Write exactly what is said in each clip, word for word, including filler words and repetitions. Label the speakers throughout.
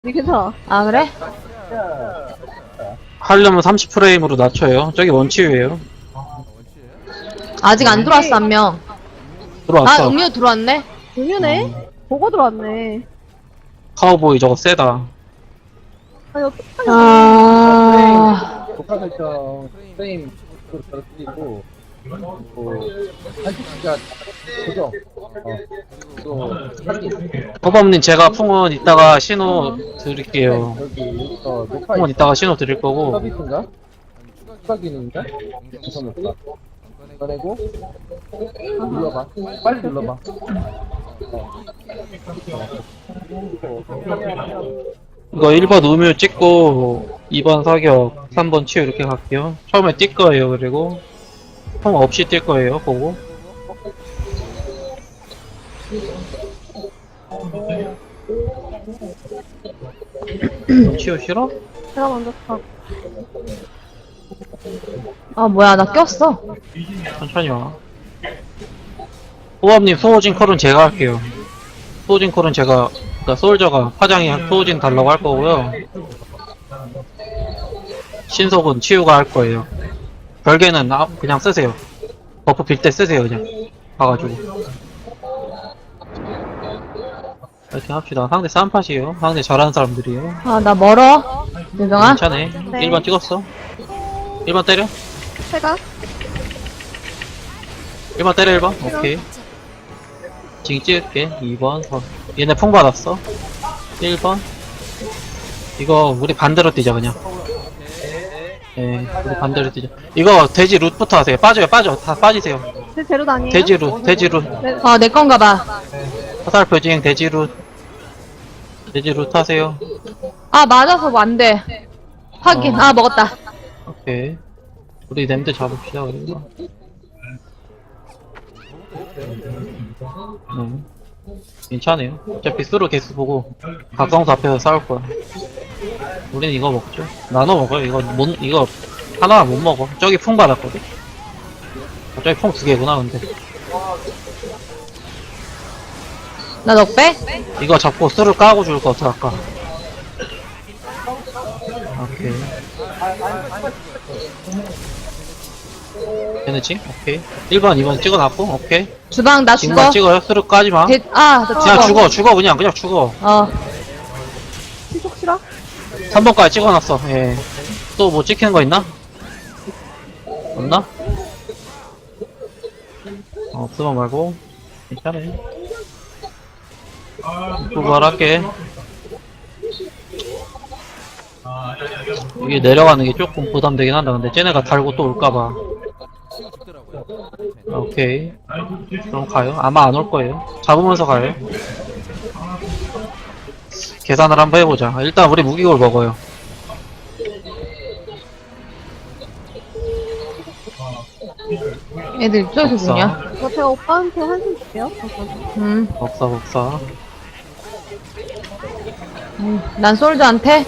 Speaker 1: 니 괜찮아.
Speaker 2: 아, 그래?
Speaker 3: 하려면 삼십 프레임으로 낮춰요. 저기 원치유예요.
Speaker 2: 아직 안 들어왔어, 한 명.
Speaker 3: 들어왔어.
Speaker 2: 아, 음료 들어왔네?
Speaker 1: 음유네? 보고 들어왔네.
Speaker 3: 카우보이 저거 세다.
Speaker 1: 아니, 어떡하냐.
Speaker 2: 아,
Speaker 4: 녹화 설정 프레임 잘 쓰이고 뭐 한식기가 고정 어 또
Speaker 3: 허범님 제가 풍은 이따가 신호 드릴게요.
Speaker 4: 여기 어 녹화
Speaker 3: 풍은 이따가 신호 드릴 거고.
Speaker 4: 서비스인가? 추가 기능인가? 우선 녹화 꺼내고 눌러봐 빨리 눌러봐
Speaker 3: 이거 일 번 우뮤 찍고 이 번 사격, 삼 번 치유 이렇게 갈게요. 처음에 뛸 거예요. 그리고 풍 없이 뛸 거예요. 보고. 치유 싫어?
Speaker 1: 제가 먼저 가.
Speaker 2: 아, 뭐야, 나 꼈어.
Speaker 3: 천천히 와. 호범님 소호진 콜은 제가 할게요. 소호진 콜은 제가, 그니까 솔저가 파장이 소호진 달라고 할 거고요. 신속은 치유가 할 거예요. 별개는 아, 그냥 쓰세요. 버프 빌 때 쓰세요, 그냥. 가가지고. 이렇게 합시다. 상대 쌈팟이에요. 상대 잘하는 사람들이에요.
Speaker 2: 아, 나 멀어. 유정아?
Speaker 3: 괜찮아.
Speaker 1: 네.
Speaker 3: 일 번 찍었어. 일 번 때려.
Speaker 1: 제가?
Speaker 3: 일 번 때려, 일 번. 오케이. 지금 찍을게. 이 번. 어. 얘네 풍 받았어. 일 번. 이거 우리 반대로 뛰자, 그냥. 예, 우리 반대로 뛰자. 이거 돼지 룻부터 하세요. 빠져요, 빠져. 다 빠지세요.
Speaker 1: 제 제로 다니에요?
Speaker 3: 돼지 룻, 돼지 룻.
Speaker 1: 네.
Speaker 2: 아, 내 건가 봐.
Speaker 3: 화살표 진행 돼지 룻. 돼지 룻 하세요.
Speaker 2: 아, 맞아서 뭐 안 돼. 확인.
Speaker 3: 어.
Speaker 2: 아, 먹었다.
Speaker 3: 오케이. 우리 냄새 잡읍시다, 그리고. 음. 괜찮아요. 어차피 수로 개수 보고 각성수 앞에서 싸울 거야. 우린 이거 먹죠. 나눠 먹어요. 이거 못, 이거 하나 못 먹어. 저기 풍 받았거든. 아, 저기 풍 두 개구나, 근데.
Speaker 2: 나 넉배?
Speaker 3: 이거 잡고 수를 까고 줄 거 어떡할까? 오케이. 되는지? 오케이. 일 번, 이 번 찍어놨고, 오케이.
Speaker 2: 주방, 나 죽어.
Speaker 3: 지금만 찍어요. 수를 까지 마.
Speaker 2: 대, 아, 나 죽어.
Speaker 3: 그냥 죽어, 죽어, 그냥, 그냥 죽어.
Speaker 2: 어.
Speaker 1: 시속 싫어?
Speaker 3: 삼 번까지 찍어놨어, 예. 또 뭐 찍히는 거 있나? 없나? 어, 없으면 말고. 괜찮아. 부활할게. 이게 내려가는 게 조금 부담되긴 한다. 근데 쟤네가 달고 또 올까봐. 오케이. 그럼 가요. 아마 안 올 거예요. 잡으면서 가요. 계산을 한번 해보자. 일단 우리 무기골 먹어요.
Speaker 2: 애들 이쪽에서
Speaker 3: 없어.
Speaker 2: 죽냐?
Speaker 1: 저 제가 오빠한테 한숨 줄게요.
Speaker 2: 음.
Speaker 3: 없어, 없어.
Speaker 2: 음. 난 솔드한테?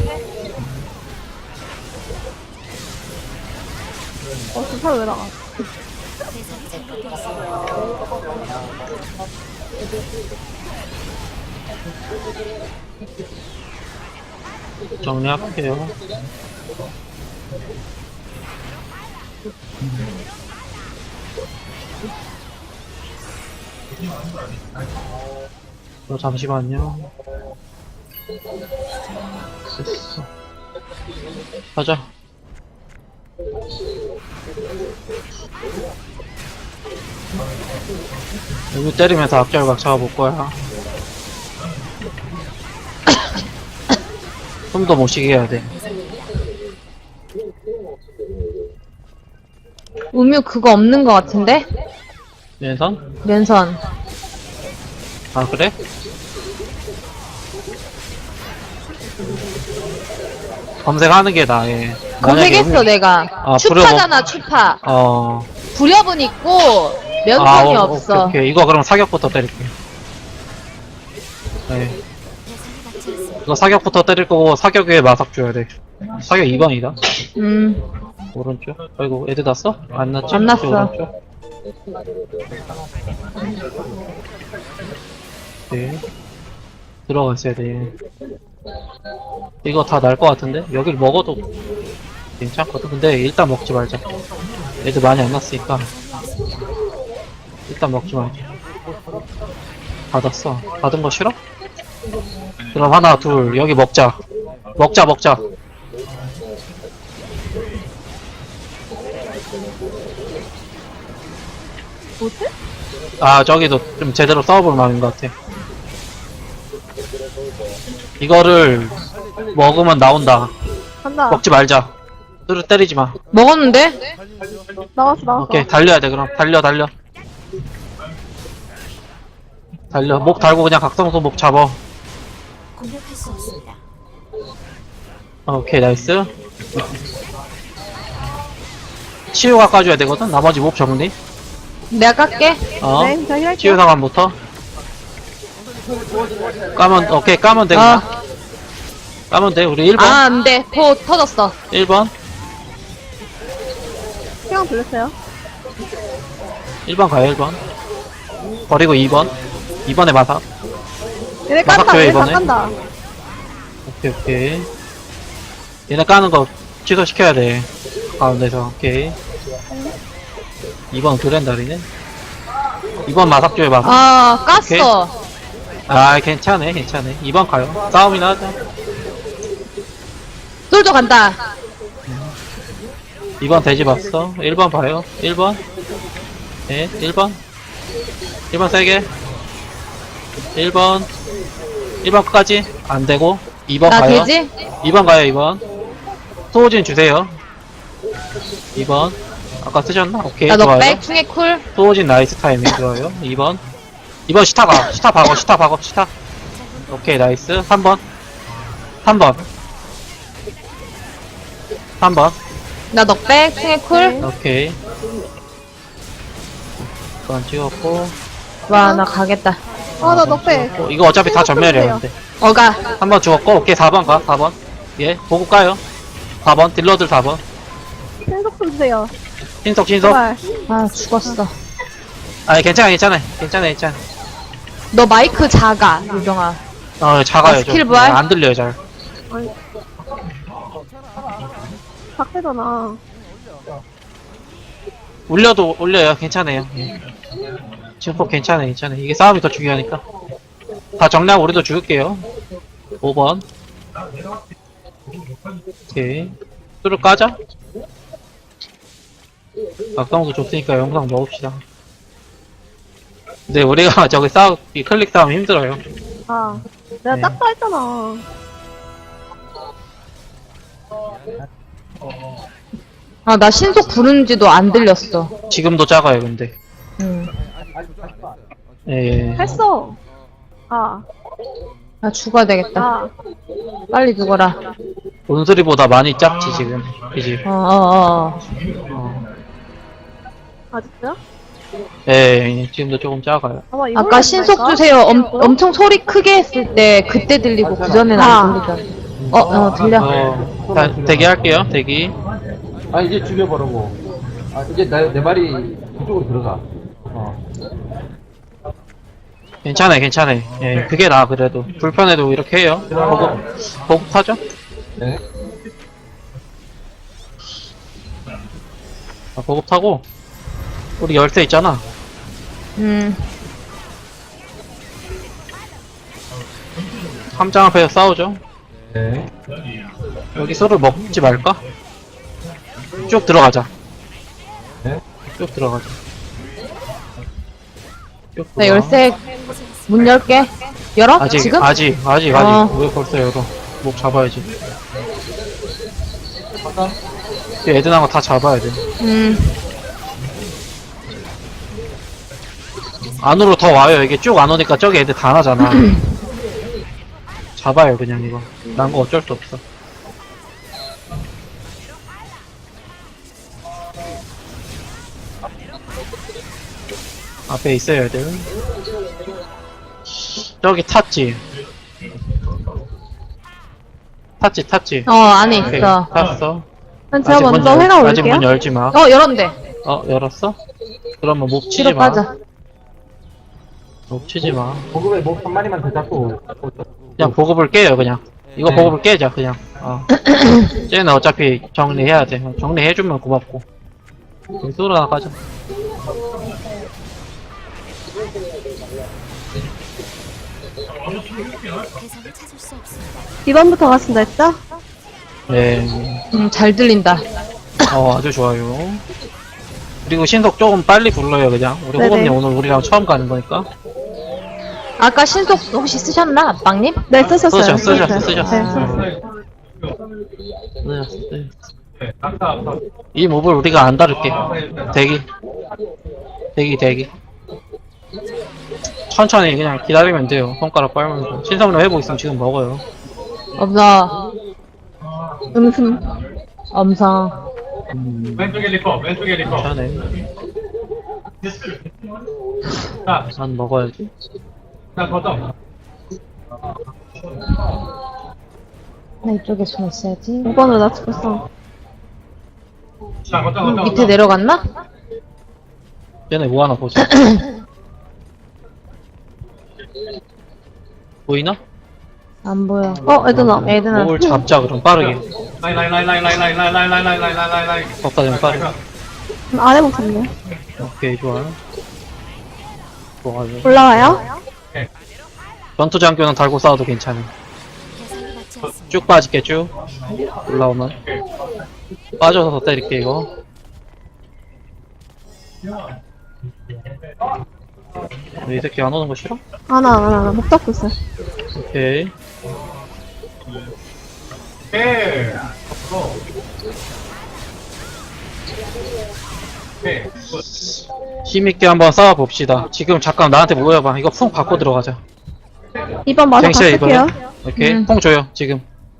Speaker 1: 어, 저 차를 왜 나가?
Speaker 3: 정리할게요. 어, 잠시만요. 됐어. 가자. 여기 때리면서 앞절각 잡아볼 거야. 숨도 못 쉬게 해야 돼.
Speaker 2: 음유 그거 없는 거 같은데?
Speaker 3: 왼선?
Speaker 2: 면선.
Speaker 3: 아, 그래? 검색하는 게 나아, 예.
Speaker 2: 검색했어,
Speaker 3: 만약에
Speaker 2: 내가.
Speaker 3: 아,
Speaker 2: 추파잖아, 추파.
Speaker 3: 어.
Speaker 2: 불협은 있고, 면선이
Speaker 3: 아, 어,
Speaker 2: 없어.
Speaker 3: 오케이, 오케이. 이거 그럼 사격부터 때릴게. 네. 이거 사격부터 때릴 거고, 사격 위에 마삭 줘야 돼. 사격 이 번이다.
Speaker 2: 음.
Speaker 3: 오른쪽. 아이고, 애들 났어? 안 났지?
Speaker 2: 안 났어.
Speaker 3: 오른쪽. 네. 들어갔어야 돼. 이거 다 날 것 같은데? 여길 먹어도 괜찮거든. 근데 일단 먹지 말자. 애들 많이 안 났으니까. 일단 먹지 말자. 받았어. 받은 거 싫어? 그럼 하나, 둘, 여기 먹자. 먹자, 먹자.
Speaker 1: 뭐지?
Speaker 3: 아, 저기도 좀 제대로 싸워볼 마음인 것 같아. 이거를 먹으면 나온다.
Speaker 1: 간다.
Speaker 3: 먹지 말자. 뚜루 때리지 마.
Speaker 2: 먹었는데?
Speaker 1: 나왔어, 나왔어.
Speaker 3: 오케이, 달려야 돼, 그럼. 달려, 달려. 달려. 목 달고 그냥 각성소 목 잡아.
Speaker 5: 공격할 수 없습니다.
Speaker 3: 오케이, 나이스. 치유가 까줘야 되거든? 나머지 몹 정리.
Speaker 2: 내가 깎게.
Speaker 3: 어.
Speaker 1: 네, 저 힐할게요.
Speaker 3: 치유 상황부터. 까면, 오케이, 까면 돼, 그냥.
Speaker 2: 어.
Speaker 3: 까면 돼. 우리 일 번.
Speaker 2: 아, 안 돼. 포 터졌어.
Speaker 3: 일 번.
Speaker 1: 시간 돌렸어요.
Speaker 3: 일 번 가요, 일 번. 버리고 이 번. 이 번에 마사.
Speaker 1: 얘네
Speaker 3: 마삭
Speaker 1: 깐다,
Speaker 3: 줘요,
Speaker 1: 얘네 다
Speaker 3: 이번에.
Speaker 1: 깐다.
Speaker 3: 오케이, 오케이. 얘네 까는 거 취소시켜야 돼. 가운데서, 오케이. 이 번 그랜다리네. 이 번 마삭 줘요, 마삭.
Speaker 2: 아, 깠어.
Speaker 3: 아, 괜찮네, 괜찮네. 이 번 가요. 싸움이나 하자.
Speaker 2: 솔도 간다.
Speaker 3: 이 번 돼지 봤어. 일 번 봐요. 일 번. 네, 일 번. 일 번 세게. 일 번. 일 번 끝까지. 안 되고. 이 번
Speaker 2: 나
Speaker 3: 가요.
Speaker 2: 되지?
Speaker 3: 이 번 가요, 이 번. 소호진 주세요. 이 번. 아까 쓰셨나? 오케이,
Speaker 2: 나
Speaker 3: 좋아요.
Speaker 2: 넉백, 충의 쿨.
Speaker 3: 소호진 나이스 타이밍 좋아요. 이 번. 이 번 시타 가. 시타 박어, 시타 박어, 시타. 오케이, 나이스. 삼 번. 삼 번. 삼 번.
Speaker 2: 나 넉백, 충의 쿨.
Speaker 3: 오케이. 이번 찍었고.
Speaker 2: 와, 나 가겠다.
Speaker 1: 아, 나 넉배.
Speaker 3: 어, 이거 어차피 다 전멸이야, 근데.
Speaker 2: 어가.
Speaker 3: 한 번 죽었고, 오케이, 사 번 가, 사 번. 예, 보고 까요. 사 번, 딜러들 사 번.
Speaker 1: 신속 좀 주세요.
Speaker 3: 신속, 신속.
Speaker 1: 제발.
Speaker 2: 아, 죽었어.
Speaker 3: 아니, 괜찮아, 괜찮아. 괜찮아, 괜찮아.
Speaker 2: 너 마이크 작아, 유정아.
Speaker 3: 어, 작아요,
Speaker 2: 아,
Speaker 3: 좀.
Speaker 2: 스킬 부활?
Speaker 3: 네, 안 들려요, 잘.
Speaker 1: 아니. 박대잖아.
Speaker 3: 올려도 올려요, 괜찮아요. 예. 증폭 괜찮아, 괜찮아. 이게 싸움이 더 중요하니까. 다 정리하고 우리도 죽을게요. 오 번. 오케이. 뚜루 까자. 악성도 줬으니까 영상 넣읍시다. 근데 우리가 저기 싸우, 이 클릭 싸움 힘들어요.
Speaker 1: 아, 내가
Speaker 3: 네.
Speaker 1: 딱다 했잖아.
Speaker 2: 아, 나 신속 부르는지도 안 들렸어.
Speaker 3: 지금도 작아요, 근데.
Speaker 2: 응.
Speaker 3: 예, 예.
Speaker 1: 했어. 아,
Speaker 2: 나 죽어야 되겠다.
Speaker 1: 아.
Speaker 2: 빨리 죽어라.
Speaker 3: 온수리보다 많이 작지, 지금. 그지?
Speaker 2: 어, 어, 어.
Speaker 3: 어.
Speaker 1: 아직도요?
Speaker 3: 예, 예, 지금도 조금 작아요.
Speaker 1: 아마 이걸로
Speaker 2: 아까 신속
Speaker 1: 할까?
Speaker 2: 주세요. 엄, 엄청 소리 크게 했을 때 그때 들리고 그 전에는
Speaker 1: 아.
Speaker 2: 안 들리잖아. 어, 어, 들려.
Speaker 3: 어, 자, 대기할게요, 대기.
Speaker 4: 아, 이제 죽여버리고. 아, 이제 내, 내 말이 그쪽으로 들어가. 어.
Speaker 3: 괜찮아요, 괜찮아요. 예, 그게 나아, 그래도. 불편해도 이렇게 해요. 보급, 보급 타죠?
Speaker 4: 네.
Speaker 3: 아, 보급 타고. 우리 열쇠 있잖아.
Speaker 2: 음.
Speaker 3: 함장 앞에서 싸우죠?
Speaker 4: 네.
Speaker 3: 여기 소를 먹지 말까? 쭉 들어가자.
Speaker 4: 네.
Speaker 3: 쭉 들어가자. 쭉
Speaker 2: 나
Speaker 3: 들어가.
Speaker 2: 열쇠 문 열게. 열어?
Speaker 3: 아직,
Speaker 2: 지금?
Speaker 3: 아직, 아직,
Speaker 2: 어.
Speaker 3: 아직. 왜 벌써 열어? 목 잡아야지. 이 애들 나온 거 다 잡아야 돼.
Speaker 2: 음.
Speaker 3: 안으로 더 와요. 이게 쭉 안 오니까 저기 애들 다 나잖아. 잡아요, 그냥 이거. 난 거 어쩔 수 없어. 앞에 있어요, 애들. 저기 탔지. 탔지, 탔지.
Speaker 2: 어, 안에
Speaker 3: 오케이,
Speaker 2: 있어.
Speaker 3: 탔어.
Speaker 1: 난 제가
Speaker 3: 아직 문
Speaker 1: 먼저
Speaker 3: 열-
Speaker 1: 회가
Speaker 3: 아직
Speaker 1: 올게요.
Speaker 3: 문 열지 마.
Speaker 2: 어, 열었는데.
Speaker 3: 어, 열었어? 그러면 목 치지
Speaker 2: 뒤로
Speaker 3: 마.
Speaker 2: 빠져.
Speaker 3: 목 치지 마.
Speaker 4: 보급에 뭐 한 마리만 더 잡고.
Speaker 3: 그냥 보급을 깨요, 그냥. 이거
Speaker 4: 네.
Speaker 3: 보급을 깨자 그냥. 어. 쟤는 어차피 정리해야 돼. 정리해주면 고맙고. 쏘러 나가자.
Speaker 5: 대상을 찾을 수 없습니다.
Speaker 1: 이 번부터 갔습니다 했죠?
Speaker 3: 네.
Speaker 2: 음, 잘 들린다.
Speaker 3: 어, 아주 좋아요. 그리고 신속 조금 빨리 불러요, 그냥. 우리
Speaker 1: 네네.
Speaker 3: 호범님 오늘 우리랑 처음 가는 거니까.
Speaker 2: 아까 신속 혹시 쓰셨나, 아빵님?
Speaker 1: 네 쓰셨어요.
Speaker 3: 쓰셨, 쓰셨어,
Speaker 1: 네,
Speaker 3: 쓰셨어.
Speaker 1: 네, 썼어요.
Speaker 3: 네, 네. 이 몹을 우리가 안 다룰게. 대기. 대기, 대기. 천천히 그냥 기다리면 돼요. 손가락 빨면서. 신성력 회복 있으면 지금 먹어요.
Speaker 2: 없어.
Speaker 1: 음흠.
Speaker 2: 엄성.
Speaker 3: 음,
Speaker 6: 왼쪽에 리퍼, 왼쪽에 리퍼.
Speaker 3: 괜찮네.
Speaker 6: 자,
Speaker 3: 난 먹어야지.
Speaker 6: 자, 걷어.
Speaker 2: 나 이쪽에 숨어 있어야지.
Speaker 1: 오 번으로 나 죽었어.
Speaker 6: 자, 걷어, 걷어.
Speaker 2: 밑에 내려갔나?
Speaker 3: 얘네 뭐 하나 보자. 보이나?
Speaker 2: 안 보여.
Speaker 1: 어 애드나.
Speaker 2: 애드나.
Speaker 3: 몹을 잡자, 그럼 빠르게.
Speaker 6: 라인, 라인, 라인, 라인, 라인, 라인, 라인, 라인, 라인, 라인, 라인, 라인, 라인.
Speaker 3: 법사 좀 빠르게.
Speaker 1: 아래 못했네.
Speaker 3: 오케이, 좋아요. 좋아요.
Speaker 1: 올라와요?
Speaker 3: 전투 장교는 달고 싸워도 괜찮아.
Speaker 5: 대상이 맞지 않습니다.
Speaker 3: 쭉 빠질게, 쭉. 올라오면. 빠져서 더 때릴게, 이거. 이 새끼 안 오는 거 싫어?
Speaker 1: 아나 아나 아나 목 닫고 있어요.
Speaker 3: 오케이.
Speaker 6: 예. 예.
Speaker 3: 힘있게 한번 싸워봅시다. 지금 잠깐 나한테 모여봐. 이거 풍 받고 들어가자.
Speaker 1: 이 번 마저
Speaker 3: 갱시야,
Speaker 1: 바꿀게요.
Speaker 3: 이번에. 오케이.
Speaker 2: 음.
Speaker 3: 풍 줘요, 지금.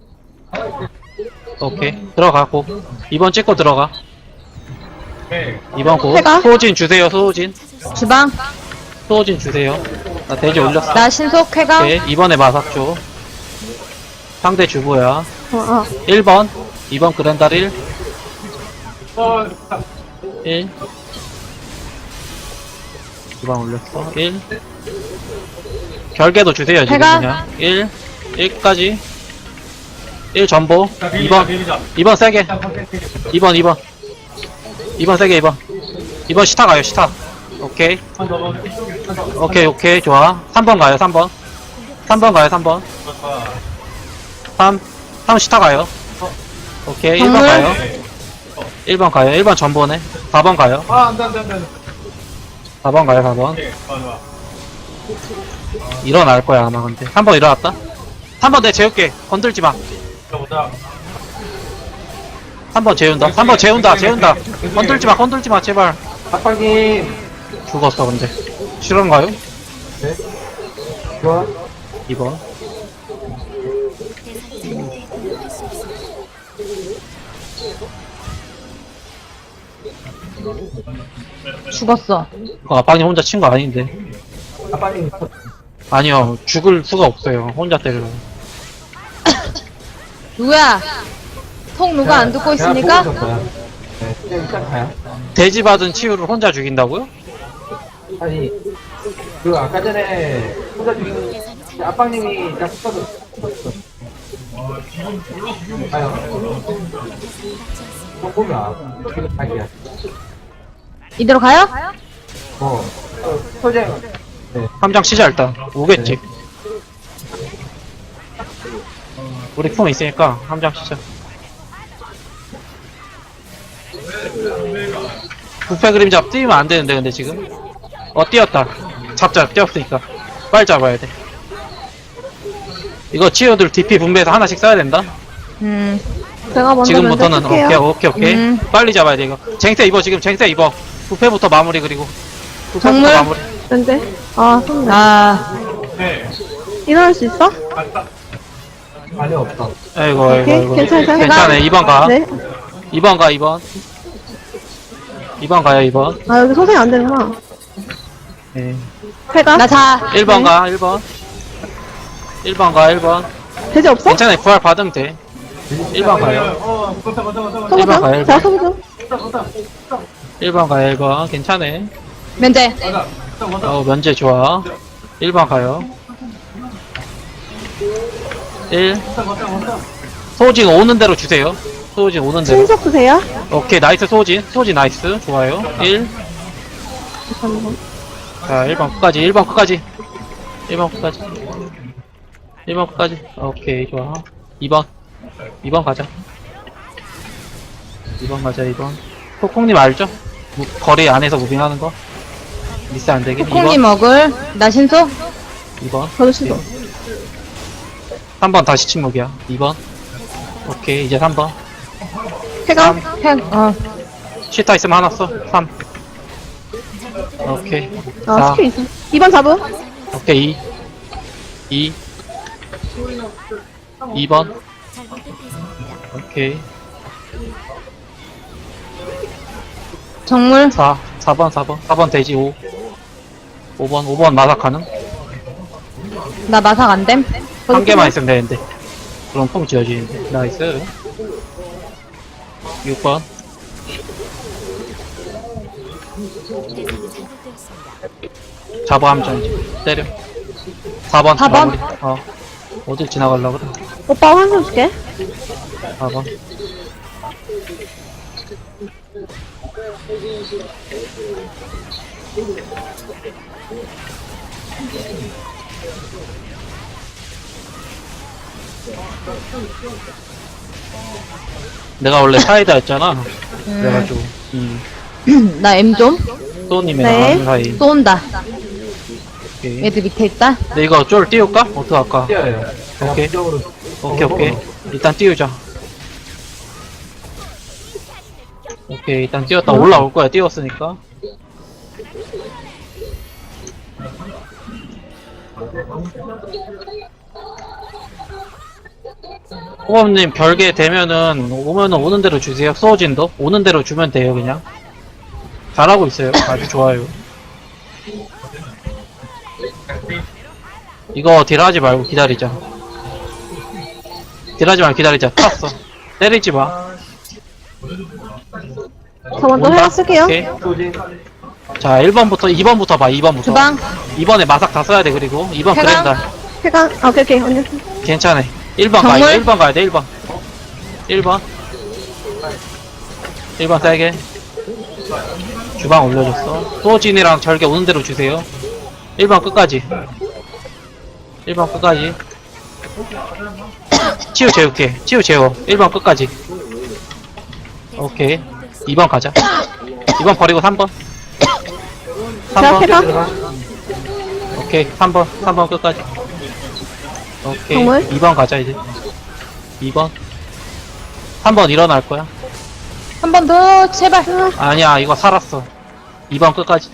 Speaker 3: 오케이. 들어가고. 이 번 찍고 들어가.
Speaker 6: 예.
Speaker 3: 이 번 고.
Speaker 1: 해가?
Speaker 3: 소호진 주세요, 소호진.
Speaker 5: 찾을 수
Speaker 2: 주방.
Speaker 3: 소호진 주세요. 나 돼지 올렸어.
Speaker 2: 나 신속 쾌감.
Speaker 3: 오케이. 이번에 마삭 줘. 상대 주부야.
Speaker 1: 어, 어.
Speaker 3: 일 번. 이 번 그랜달 일.
Speaker 6: 어, 자,
Speaker 3: 일. 이 번 올렸어. 일. 결계도 주세요, 지금
Speaker 2: 해가?
Speaker 3: 그냥. 일. 일까지. 일 전보.
Speaker 6: 자,
Speaker 3: 이
Speaker 6: 비비자,
Speaker 3: 번.
Speaker 6: 비비자.
Speaker 3: 이 번 세게.
Speaker 6: 자, 컨텐츠.
Speaker 3: 이 번, 이 번. 이 번 세게, 이 번. 이 번 시타 가요, 시타. 오케이.
Speaker 6: 한 번, 한 번, 한 번.
Speaker 3: 오케이, 오케이. 좋아. 삼 번 가요, 삼 번. 삼 번 가요, 삼 번. 삼. 삼 시타 가요. 오케이. 일 번
Speaker 2: 정물?
Speaker 3: 가요. 일 번 가요. 일 번 전보네. 사 번 가요.
Speaker 6: 아, 안 돼, 안 돼, 안 돼.
Speaker 3: 사 번 가요, 사 번.
Speaker 6: 오케이, 좋아, 좋아.
Speaker 3: 일어날 거야, 아마 근데. 삼 번 일어났다. 삼 번 내 재울게. 건들지 마.
Speaker 6: 들어보자.
Speaker 3: 삼 번 재운다. 삼 번 재운다, 재운다. 건들지 마, 건들지 마, 제발.
Speaker 4: 아빠님.
Speaker 3: 죽었어, 근데. 실화인가요?
Speaker 4: 네. 좋아.
Speaker 3: 이 번.
Speaker 5: 대상이 되는데 공격할 수 없습니다.
Speaker 2: 죽었어.
Speaker 3: 그거 아빠님 혼자 친 거 아닌데.
Speaker 4: 아빠님.
Speaker 3: 아니요, 죽을 수가 없어요. 혼자 때려요.
Speaker 2: 누구야? 통 누가 안 듣고 있습니까?
Speaker 4: 네, 그냥 일단 가요.
Speaker 3: 돼지 받은 치유를 혼자 죽인다고요?
Speaker 4: 아니, 그 아까 전에 혼자 죽인
Speaker 5: 대상이 잘
Speaker 4: 아빠님이 딱 붙어서 가요.
Speaker 5: 대상이 맞지 않습니다.
Speaker 4: 또 보면 지금 자기야.
Speaker 2: 이대로 가요?
Speaker 4: 어, 어, 소재. 네.
Speaker 3: 함장 치자, 일단. 오겠지. 우리 품 있으니까 함장 치자. 부패 그림자 뛰면 안 되는데, 근데 지금. 어, 뛰었다. 잡자, 뛰었으니까. 빨리 잡아야 돼. 이거 치유들 디피 분배해서 하나씩 써야 된다.
Speaker 2: 음.
Speaker 1: 제가 먼저
Speaker 3: 지금부터는
Speaker 1: 면접
Speaker 3: 오케이,
Speaker 1: 쓸게요.
Speaker 3: 오케이, 오케이.
Speaker 2: 음.
Speaker 3: 빨리 잡아야 돼, 이거. 쟁세 입어, 지금 쟁세 입어. 부패부터 마무리, 그리고. 부패부터
Speaker 2: 정물?
Speaker 3: 마무리.
Speaker 1: 면제. 아 손. 아.
Speaker 2: 아.
Speaker 6: 네.
Speaker 1: 일어날 수 있어?
Speaker 6: 갔다.
Speaker 4: 아니, 없어.
Speaker 3: 아이고, 아이고,
Speaker 1: 오케이,
Speaker 3: 아이고.
Speaker 1: 괜찮아요.
Speaker 3: 괜찮아, 이 번 가.
Speaker 1: 네.
Speaker 3: 이 번 가, 이 번. 이 번 가요, 이 번.
Speaker 1: 아 여기 소생이 안 되는구나.
Speaker 3: 네.
Speaker 1: 회가?
Speaker 2: 나 자.
Speaker 3: 일 번
Speaker 1: 네.
Speaker 3: 가, 일 번. 일 번 가, 일 번.
Speaker 1: 돼지 없어?
Speaker 3: 괜찮아요, 부활 받으면 돼. 일 번 가요.
Speaker 6: 어, 걷다, 걷다, 걷다, 걷다.
Speaker 1: 소부
Speaker 3: 일 번 가요,
Speaker 1: 좀.
Speaker 3: 일
Speaker 1: 자
Speaker 3: 번.
Speaker 1: 소부 좀.
Speaker 6: 걷다, 걷다.
Speaker 3: 일 번 가요, 일 번. 괜찮네.
Speaker 2: 면제.
Speaker 6: 걷다, 걷다, 걷다.
Speaker 3: 어, 면제 좋아. 일 번 가요. 일. 소진 오는 대로 주세요. 소진 오는 대로.
Speaker 1: 신속 드세요.
Speaker 3: 오케이, 나이스 소진. 소진 나이스. 좋아요. 일. 자, 일 번 끝까지. 일 번 끝까지. 일 번 끝까지. 일 번 끝까지. 오케이, 좋아. 이 번. 이 번 가자. 이 번 가자, 이 번. 코콩님 알죠? 무, 거리 안에서 무빙하는 거? 미스 안 되게.
Speaker 2: 코콩님 먹을. 나 신속.
Speaker 3: 이 번.
Speaker 1: 저도 신속.
Speaker 3: 삼 번 다시 침묵이야. 이 번. 오케이, 이제 삼 번.
Speaker 1: 쾌감.
Speaker 2: 팩, 어.
Speaker 3: 시타 있으면 하나 써. 삼. 오케이.
Speaker 1: 아,
Speaker 3: 사.
Speaker 1: 스킬 있어. 이 번 잡음.
Speaker 3: 오케이. 이. 이. 이 번.
Speaker 5: 잘못된 대상입니다.
Speaker 3: 오케이.
Speaker 2: 정물.
Speaker 3: 사. 사 번, 사 번. 사 번 돼지 오. 오 번, 오 번 마삭 가능?
Speaker 2: 나 마삭 안 됨.
Speaker 3: 한 개만 있으면 되는데. 그럼 폼 지어지는데. 나이스. 육 번.
Speaker 5: 대상이 잘못되었습니다.
Speaker 3: 잡아 함정 때려. 사 번.
Speaker 2: 사 번?
Speaker 3: 마무리. 어. 어딜 지나가려고 그래.
Speaker 1: 오빠 환승 줄게.
Speaker 3: 사 번. 내가 원래 사이다였잖아. 그래가지고, 음,
Speaker 2: 나 M 좀.
Speaker 3: 소님이랑
Speaker 1: 네.
Speaker 3: 하는 사이.
Speaker 2: 쏜다.
Speaker 3: 오케이.
Speaker 2: 애들 밑에 있다.
Speaker 3: 근데 이거 쫄 띄울까? 어떡할까?
Speaker 4: 뛰어요.
Speaker 3: 오케이.
Speaker 4: 부적으로
Speaker 3: 오케이, 오케이. 일단 띄우자. 오케이, 일단 띄웠다. 올라올 거야, 띄웠으니까. 호범님, 별개 되면은, 오면은 오는 대로 주세요. 소진도. 오는 대로 주면 돼요, 그냥. 잘하고 있어요. 아주 좋아요. 이거 딜하지 말고 기다리자. 딜하지 말고 기다리자. 탔어. 때리지 마.
Speaker 1: 저 먼저 회화 쓸게요.
Speaker 3: 오케이.
Speaker 4: 소진.
Speaker 3: 자, 일 번부터, 이 번부터 봐, 이 번부터.
Speaker 2: 주방.
Speaker 3: 이 번에 마삭 다 써야 돼, 그리고. 이 번
Speaker 2: 해강.
Speaker 3: 그랜다.
Speaker 1: 쾌감. 아, 오케이, 오케이. 언니.
Speaker 3: 괜찮아. 일 번 가야
Speaker 2: 정말?
Speaker 3: 돼, 일 번 가야 돼, 일 번. 일 번. 일 번 세게. 주방 올려줬어. 소진이랑 절개 오는 대로 주세요. 일 번 끝까지. 일 번 끝까지. 치유 재울게. 치유 재워. 일 번 끝까지. 오케이. 이 번 가자. 이 번 버리고 삼 번. 삼
Speaker 1: 제가
Speaker 3: 번.
Speaker 1: 쾌감.
Speaker 3: 오케이. 삼 번. 삼 번 끝까지. 오케이.
Speaker 1: 정말?
Speaker 3: 이 번 가자, 이제. 이 번. 삼 번 일어날 거야.
Speaker 2: 한 번 더, 제발.
Speaker 3: 아니야, 이거 살았어. 이 번 끝까지.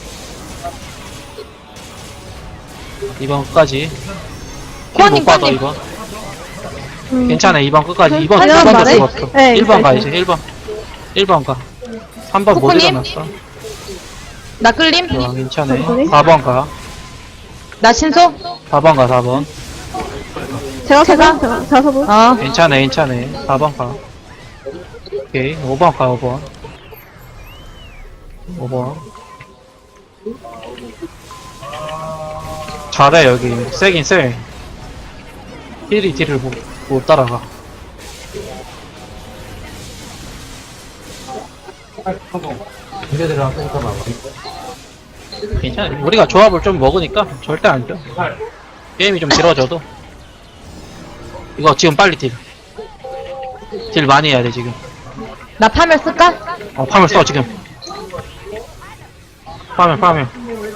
Speaker 3: 이 번 끝까지.
Speaker 2: 코아님,
Speaker 3: 못 받아,
Speaker 2: 코아님.
Speaker 3: 이 번.
Speaker 1: 음.
Speaker 3: 괜찮아, 이 번 끝까지. 이 번,
Speaker 1: 아니,
Speaker 3: 이 번도
Speaker 1: 말해.
Speaker 3: 죽었어.
Speaker 1: 네,
Speaker 3: 일 번 가,
Speaker 1: 있어요.
Speaker 3: 이제. 일 번. 일 번 가. 삼 번 못
Speaker 2: 코코님?
Speaker 3: 일어났어.
Speaker 2: 나 끌림.
Speaker 3: 좋아, 괜찮아.
Speaker 1: 코코님?
Speaker 3: 사 번 가.
Speaker 2: 나 신속.
Speaker 3: 사 번 가, 사 번.
Speaker 1: 제가 쾌감. 제가, 제가 서브.
Speaker 2: 어.
Speaker 3: 괜찮아, 괜찮아. 사 번 가. 오케이. 오 번 가, 오 번. 오 번. 잘해, 여기. 세긴 세. 힐이 딜을 못, 못 따라가.
Speaker 4: 이제 들어가니까 봐봐.
Speaker 3: 괜찮아. 우리가 조합을 좀 먹으니까 절대 안 줘. 게임이 좀 길어져도. 이거 지금 빨리 딜. 딜 많이 해야 돼, 지금.
Speaker 2: 나 파멸 쓸까?
Speaker 3: 어, 파멸 써, 지금. 파멸, 파멸.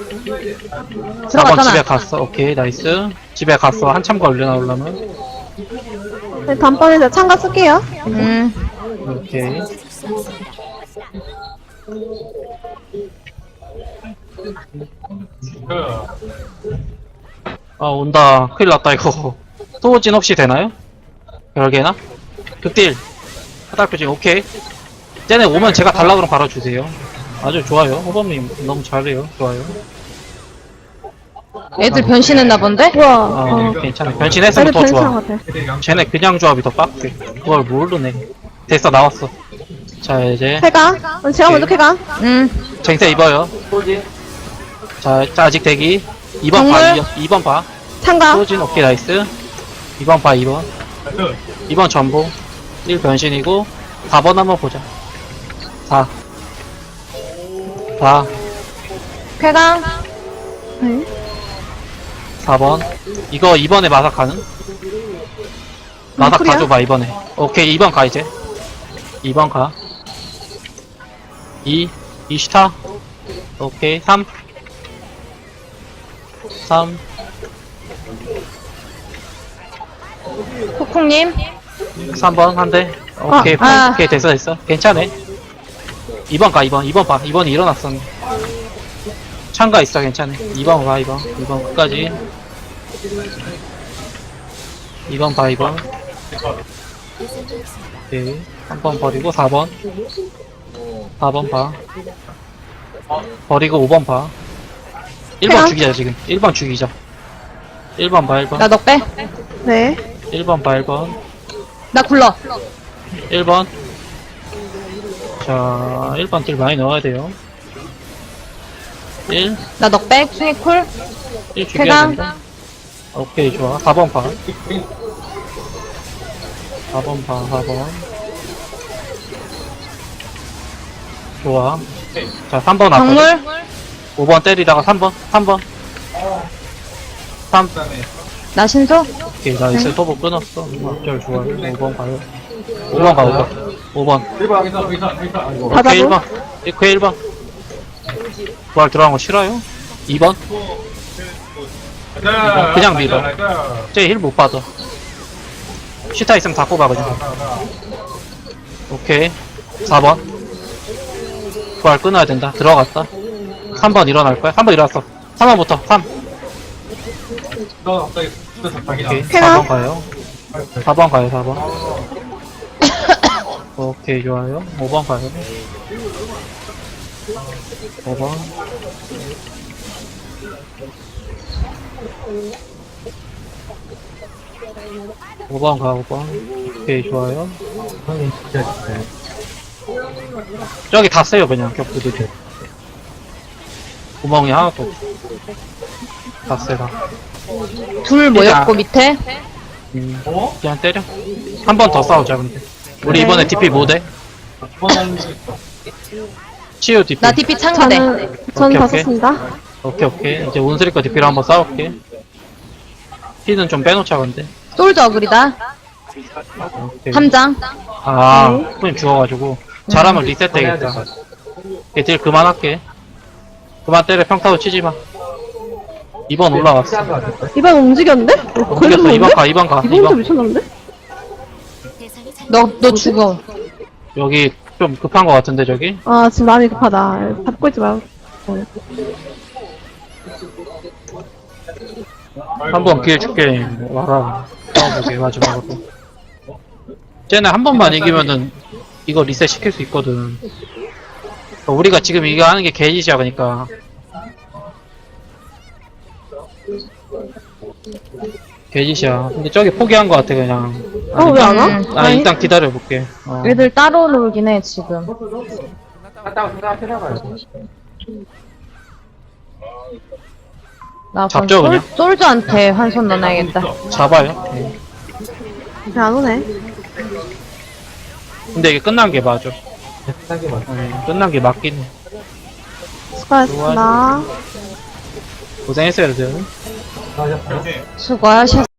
Speaker 3: 사 번 집에
Speaker 2: 들어갔잖아.
Speaker 3: 갔어. 오케이, 나이스. 집에 갔어. 한참 걸려 나오려면.
Speaker 1: 네, 단번에 제가 참가 쓸게요.
Speaker 2: 음.
Speaker 3: 오케이.
Speaker 5: 찾을 수 없습니다.
Speaker 3: 아, 온다. 큰일 났다, 이거. 소호진 혹시 되나요? 별개나? 극딜. 화살표진, 오케이. 쟤네 오면 제가 달라 그럼 바로 주세요. 아주 좋아요. 호범님 너무 잘해요. 좋아요.
Speaker 2: 애들 변신했나 본데?
Speaker 1: 우와.
Speaker 3: 아,
Speaker 1: 어.
Speaker 3: 괜찮아. 변신했으면
Speaker 1: 애들
Speaker 3: 더
Speaker 1: 변신한
Speaker 3: 좋아.
Speaker 1: 것 같아.
Speaker 3: 쟤네 그냥 조합이 더 빡세. 그걸 모르네. 됐어, 나왔어. 자, 이제.
Speaker 1: 쾌감. 어, 제가 먼저 쾌감.
Speaker 2: 음.
Speaker 3: 쟁세 입어요.
Speaker 4: 소진.
Speaker 3: 자, 자 아직 대기. 이 번
Speaker 2: 정말?
Speaker 3: 봐, 이 번 봐.
Speaker 1: 참가.
Speaker 3: 소진, 오케이, 나이스. 이 번 봐, 이 번.
Speaker 6: 나이스.
Speaker 3: 이 번 전보. 일 변신이고, 사 번 한번 보자. 사. 사.
Speaker 2: 쾌강.
Speaker 1: 네.
Speaker 3: 사 번. 이거 이번에 마삭 가능? 마삭
Speaker 1: 쿨이야?
Speaker 3: 가줘봐, 이번에. 오케이, 이 번 가, 이제. 이 번 가. 이. 이 스타. 오케이, 삼. 삼.
Speaker 2: 콩콩님.
Speaker 3: 삼 번 한 대. 오케이,
Speaker 2: 아.
Speaker 3: 오케이, 됐어, 됐어. 괜찮아. 이 번 가, 이 번. 이 번 봐. 이 번이 일어났어. 참가 있어, 괜찮아. 이 번 가, 이 번. 이 번 끝까지. 이 번 봐, 이 번.
Speaker 5: 대상되었습니다.
Speaker 3: 오케이. 한 번 버리고, 사 번. 사 번 봐. 버리고, 오 번 봐. 일 번
Speaker 1: 해요?
Speaker 3: 죽이자, 지금. 일 번 죽이자. 일 번 봐, 일 번.
Speaker 2: 나 너 빼.
Speaker 1: 네.
Speaker 3: 일 번 봐, 일 번.
Speaker 2: 나 굴러.
Speaker 3: 일 번. 자, 일 번 딜 많이 넣어야 돼요. 일.
Speaker 2: 나 너 빼. 숭이 쿨.
Speaker 3: 일 죽여야
Speaker 2: 쾌강.
Speaker 3: 된다. 오케이, 좋아. 사 번 봐. 사 번 봐, 사 번. 좋아. 자, 삼 번 앞에.
Speaker 2: 정물.
Speaker 3: 오 번 때리다가 삼 번, 삼 번. 삼.
Speaker 2: 나 신속.
Speaker 3: 오케이, 나이스. 토보 끊었어. 어쩔 좋아요. 오 번 가요. 오 번 가, 오 번. 오 번.
Speaker 6: 일 번 여기서 여기서 여기서. 아이고.
Speaker 1: 받아도?
Speaker 3: 오케이, 일 번. 이크 일 번. 부활 들어간 거 싫어요? 이 번.
Speaker 6: 나이스.
Speaker 3: 그냥 밀어.
Speaker 6: 나이스.
Speaker 3: 쟤 힐 못 받아. 시타 있으면 다 꼽아, 그냥. 오케이. 사 번. 부활 끊어야 된다. 들어갔다. 삼 번 일어날 거야. 삼 번 일어났어. 삼 번부터. 삼.
Speaker 6: 너 갑자기 진짜 잡하기다.
Speaker 3: 오케이.
Speaker 1: 해요?
Speaker 3: 사 번 가요. 사 번 가요, 사 번. 오케이, 좋아요. 오 번 가요. 오 번. 오 번 가, 오 번. 오케이, 좋아요.
Speaker 4: 형님 진짜 진짜.
Speaker 3: 저기 다 세요, 그냥, 격부들. 구멍이 하나도 없어. 다 세다.
Speaker 2: 둘 모였고 밑에.
Speaker 3: 음,
Speaker 6: 어?
Speaker 3: 그냥 때려. 한 번 더 싸우자, 근데. 우리
Speaker 1: 네.
Speaker 3: 이번에 디피 못 해?
Speaker 6: 이번엔
Speaker 3: 치유 디피.
Speaker 2: 나 디피 참가돼.
Speaker 1: 저는, 저는
Speaker 3: 오케이,
Speaker 1: 다
Speaker 3: 오케이.
Speaker 1: 썼습니다.
Speaker 3: 오케이, 오케이. 이제 온스리 거 디피로 한번 싸울게. 피는 좀 빼놓자, 근데.
Speaker 2: 솔저 어그리다.
Speaker 3: 오케이.
Speaker 2: 함장.
Speaker 3: 아,
Speaker 1: 네.
Speaker 3: 후임 죽어가지고. 잘하면 리셋 되겠다. 오케이, 딜 그만할게. 그만 때려, 평타도 치지 마. 이 번 올라왔어.
Speaker 4: 시작한 거 같아.
Speaker 1: 이번 움직였는데?
Speaker 3: 옮겼어, 이 번 가, 이 번 가, 이
Speaker 1: 이번부터
Speaker 3: 번.
Speaker 1: 미쳤는데?
Speaker 5: 대상이 잘
Speaker 2: 너, 너 죽어.
Speaker 3: 여기 좀 급한 거 같은데, 저기?
Speaker 1: 아, 지금 마음이 급하다. 잡고 있지 말고.
Speaker 3: 한 번 기회 줄게. 와라. 싸워보게, 마지막으로. 쟤네 한 번만 이기면은 이거 리셋 시킬 수 있거든. 우리가 지금 이거 하는 게 개짓이야, 그니까. 개짓이야. 근데 저기 포기한 거 같아, 그냥.
Speaker 1: 어, 왜 안 와?
Speaker 2: 음.
Speaker 3: 아, 일단 기다려볼게. 어.
Speaker 2: 애들 따로 놀긴 해, 지금.
Speaker 4: 갔다가 생각해봐요.
Speaker 2: 나 그럼
Speaker 3: 잡죠,
Speaker 2: 솔,
Speaker 3: 그냥?
Speaker 2: 솔저한테 한손 넣어놔야겠다.
Speaker 3: 잡아요. 네.
Speaker 1: 왜 안 오네?
Speaker 3: 근데 이게 끝난 게 맞아.
Speaker 4: 생각해 봐.
Speaker 3: 네, 끝난 게 맞긴 해.
Speaker 1: 수고하셨습니다.
Speaker 3: 고생했어요, 여러분.
Speaker 4: 수고하셨어요.
Speaker 2: 수고하셨